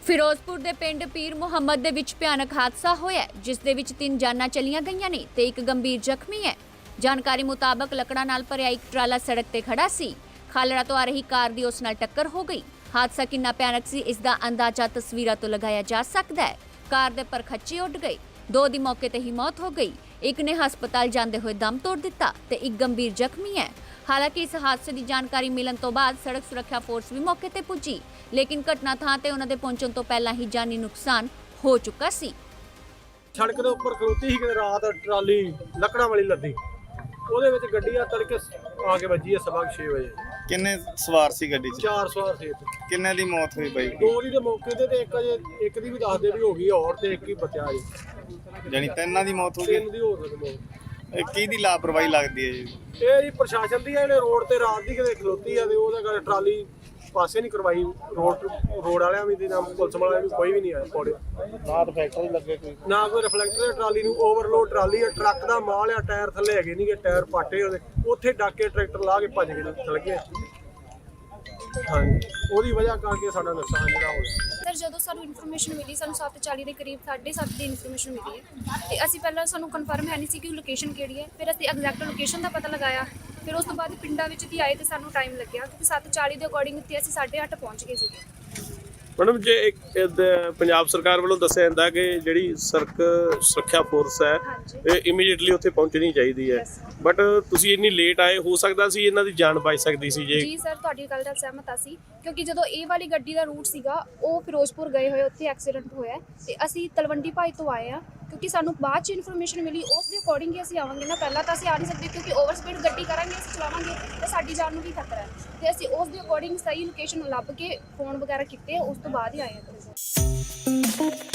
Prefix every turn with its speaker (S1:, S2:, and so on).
S1: ਫਿਰੋਜ਼ਪੁਰ ਦੇ ਪਿੰਡ ਪੀਰ ਮੁਹੰਮਦ ਦੇ ਵਿੱਚ ਭਿਆਨਕ ਹਾਦਸਾ ਹੋਇਆ ਜਿਸ ਦੇ ਵਿੱਚ 3 ਜਾਨਾਂ ਚਲੀਆਂ ਗਈਆਂ ਨੇ ਤੇ ਇੱਕ ਗੰਭੀਰ ਜ਼ਖਮੀ ਹੈ। ਜਾਣਕਾਰੀ ਮੁਤਾਬਕ ਲੱਕੜਾਂ ਨਾਲ ਭਰਿਆ ਇੱਕ ਟਰਾਲਾ ਸੜਕ ਤੇ ਖੜਾ ਸੀ। ਖਾਲੜਾ ਤੋਂ ਆ ਰਹੀ ਕਾਰ ਦੀ ਉਸ ਨਾਲ ਟੱਕਰ ਹੋ ਗਈ। ਹਾਦਸਾ ਕਿੰਨਾ ਭਿਆਨਕ ਸੀ ਇਸ ਦਾ ਅੰਦਾਜ਼ਾ ਤਸਵੀਰਾਂ ਤੋਂ ਲਗਾਇਆ ਜਾ ਸਕਦਾ ਹੈ। ਕਾਰ ਦੇ ਪਰਖੱਚੇ ਉੱਡ ਗਏ। 2 ਦੀ ਮੌਕੇ ਤੇ ਹੀ ਮੌਤ ਹੋ ਗਈ। ਇੱਕ ਨੇ ਹਸਪਤਾਲ ਜਾਂਦੇ ਹੋਏ ਦਮ ਤੋੜ ਦਿੱਤਾ ਤੇ ਇੱਕ ਗੰਭੀਰ ਜ਼ਖਮੀ ਹੈ। ਹਾਲਾਂਕਿ ਇਸ ਹਾਦਸੇ ਦੀ ਜਾਣਕਾਰੀ ਮਿਲਣ ਤੋਂ ਬਾਅਦ ਸੜਕ ਸੁਰੱਖਿਆ ਫੋਰਸ ਵੀ ਮੌਕੇ ਤੇ ਪੁੱਜੀ, ਲੇਕਿਨ ਘਟਨਾ ਥਾਂ ਤੇ ਉਹਨਾਂ ਦੇ ਪਹੁੰਚਣ ਤੋਂ ਪਹਿਲਾਂ ਹੀ ਜਾਨੀ ਨੁਕਸਾਨ ਹੋ ਚੁੱਕਾ ਸੀ।
S2: ਸੜਕ ਦੇ ਉੱਪਰ ਖਲੋਤੀ ਸੀ ਕਿ ਰਾਤ ਟਰਾਲੀ ਲੱਕੜਾਂ ਵਾਲੀ ਲੱਦੀ, ਉਹਦੇ ਵਿੱਚ ਗੱਡੀ ਆ ਤੜਕੇ ਆ ਕੇ ਵੱਜੀ ਹੈ 6:30 ਵਜੇ।
S3: ਕਿੰਨੇ ਸਵਾਰ ਸੀ ਗੱਡੀ 'ਚ?
S2: 4 ਸਵਾਰ ਸੀ।
S3: ਕਿੰਨੇ ਦੀ ਮੌਤ ਹੋਈ ਬਾਈ?
S2: 2 ਦੀ ਦੇ ਮੌਕੇ ਤੇ ਇੱਕ ਅਜੇ ਇੱਕ ਦੀ ਵੀ ਦੱਸਦੇ ਵੀ ਹੋ ਗਈ ਔਰ ਤੇ ਇੱਕ ਹੀ ਬਚਿਆ ਜੀ।
S3: ਜਾਨੀ 3 ਦੀ ਮੌਤ ਹੋ ਗਈ।
S2: 3 ਦੀ ਹੋ ਸਕਦੀ।
S3: ਇਹ ਕਿਹਦੀ ਲਾਪਰਵਾਹੀ ਲੱਗਦੀ ਹੈ ਜੀ?
S2: ਇਹ ਜੀ ਪ੍ਰਸ਼ਾਸਨ ਦੀ ਇਹਨੇ ਰੋਡ ਤੇ ਰਾਤ ਦੀ ਕਿਤੇ ਖਲੋਤੀ ਆ ਤੇ ਉਹਦੇ ਕਰਕੇ ਟਰਾਲੀ ਪਾਸੇ ਨਹੀਂ ਕਰਵਾਈ। ਰੋਡ ਵਾਲਿਆਂ ਵੀ ਤੇ ਨਾ ਪੁਲਿਸ ਵਾਲਿਆਂ ਵੀ ਕੋਈ ਵੀ ਨਹੀਂ ਆਇਆ ਪੌੜੇ। ਰਾਤ ਫੈਕਟਰੀ ਲੱਗੇ ਨਾ ਕੋਈ ਰਿਫਲੈਕਟਰ। ਟਰਾਲੀ ਨੂੰ ਓਵਰਲੋਡ ਟਰਾਲੀ ਆ, ਟਰੱਕ ਦਾ ਮਾਲ ਆ, ਟਾਇਰ ਥੱਲੇ ਹੈਗੇ ਨਹੀਂਗੇ, ਟਾਇਰ ਪਾਟੇ ਉਹਦੇ। ਉੱਥੇ ਡਾਕੇ ਟਰੈਕਟਰ ਲਾ ਕੇ ਭੱਜ ਗਏ ਚਲ ਗਏ। ਹਾਂਜੀ, ਉਹਦੀ ਵਜ੍ਹਾ ਕਰਕੇ ਸਾਡਾ ਨੁਕਸਾਨ ਜਿਹੜਾ ਹੋਇਆ।
S4: ਸਰ ਜਦੋਂ ਸਾਨੂੰ ਇਨਫੋਰਮੇਸ਼ਨ ਮਿਲੀ, ਸਾਨੂੰ 7:40 ਦੇ ਕਰੀਬ 7:30 ਦੀ ਇਨਫੋਰਮੇਸ਼ਨ ਮਿਲੀ ਹੈ ਤੇ ਅਸੀਂ ਪਹਿਲਾਂ ਸਾਨੂੰ ਕਨਫਰਮ ਹੈ ਨਹੀਂ ਸੀ ਕਿ ਲੋਕੇਸ਼ਨ ਕਿਹੜੀ ਹੈ। ਫਿਰ ਅਸੀਂ ਐਗਜ਼ੈਕਟ ਲੋਕੇਸ਼ਨ ਦਾ ਪਤਾ ਲਗਾਇਆ। ਫਿਰ ਉਸ ਤੋਂ ਬਾਅਦ ਪਿੰਡਾਂ ਵਿੱਚ ਦੀ ਆਏ ਤੇ ਸਾਨੂੰ ਟਾਈਮ ਲੱਗਿਆ ਕਿਉਂਕਿ 7:40 ਦੇ ਅਕੋਰਡਿੰਗ ਇੱਥੇ ਅਸੀਂ 8:30 ਪਹੁੰਚ ਗਏ ਸੀਗੇ।
S5: ਮੈਡਮ ਜੇ ਇੱਕ ਪੰਜਾਬ ਸਰਕਾਰ ਵੱਲੋਂ ਦੱਸਿਆ ਜਾਂਦਾ ਕਿ ਜਿਹੜੀ ਸੜਕ ਸੁਰੱਖਿਆ ਫੋਰਸ ਹੈ ਇਹ ਇਮੀਡੀਏਟਲੀ ਉੱਥੇ ਪਹੁੰਚਣੀ ਚਾਹੀਦੀ ਹੈ, ਬਟ ਤੁਸੀਂ ਇੰਨੀ ਲੇਟ ਆਏ, ਹੋ ਸਕਦਾ ਸੀ ਇਹਨਾਂ ਦੀ ਜਾਨ ਬਚ ਸਕਦੀ ਸੀ ਜੇ।
S4: ਜੀ ਸਰ, ਤੁਹਾਡੀ ਗੱਲ ਨਾਲ ਸਹਿਮਤ ਅਸੀਂ, ਕਿਉਂਕਿ ਜਦੋਂ ਇਹ ਵਾਲੀ ਗੱਡੀ ਦਾ ਰੂਟ ਸੀਗਾ ਉਹ ਫਿਰੋਜ਼ਪੁਰ ਗਏ ਹੋਏ, ਉੱਥੇ ਐਕਸੀਡੈਂਟ ਹੋਇਆ ਤੇ ਅਸੀਂ ਤਲਵੰਡੀ ਭਾਈ ਤੋਂ ਆਏ ਆ ਕਿਉਂਕਿ ਸਾਨੂੰ ਬਾਅਦ 'ਚ ਇਨਫੋਰਮੇਸ਼ਨ ਮਿਲੀ। ਉਸ ਦੇ ਅਕੋਰਡਿੰਗ ਹੀ ਅਸੀਂ ਆਵਾਂਗੇ ਨਾ, ਪਹਿਲਾਂ ਤਾਂ ਅਸੀਂ ਆ ਨਹੀਂ ਸਕਦੇ ਕਿਉਂਕਿ ਓਵਰ ਸਪੀਡ ਗੱਡੀ ਕਰਾਂਗੇ, ਅਸੀਂ ਚਲਾਵਾਂਗੇ ਤੇ ਸਾਡੀ ਜਾਨ ਨੂੰ ਵੀ ਖਤਰਾ ਹੈ। ਤੇ ਅਸੀਂ ਉਸ ਦੇ ਅਕੋਰਡਿੰਗ ਸਹੀ ਲੋਕੇਸ਼ਨ ਲੱਭ ਕੇ ਫੋਨ ਵਗੈਰਾ ਕੀਤੇ, ਉਸ ਤੋਂ ਬਾਅਦ ਹੀ ਆਏ ਹਾਂ।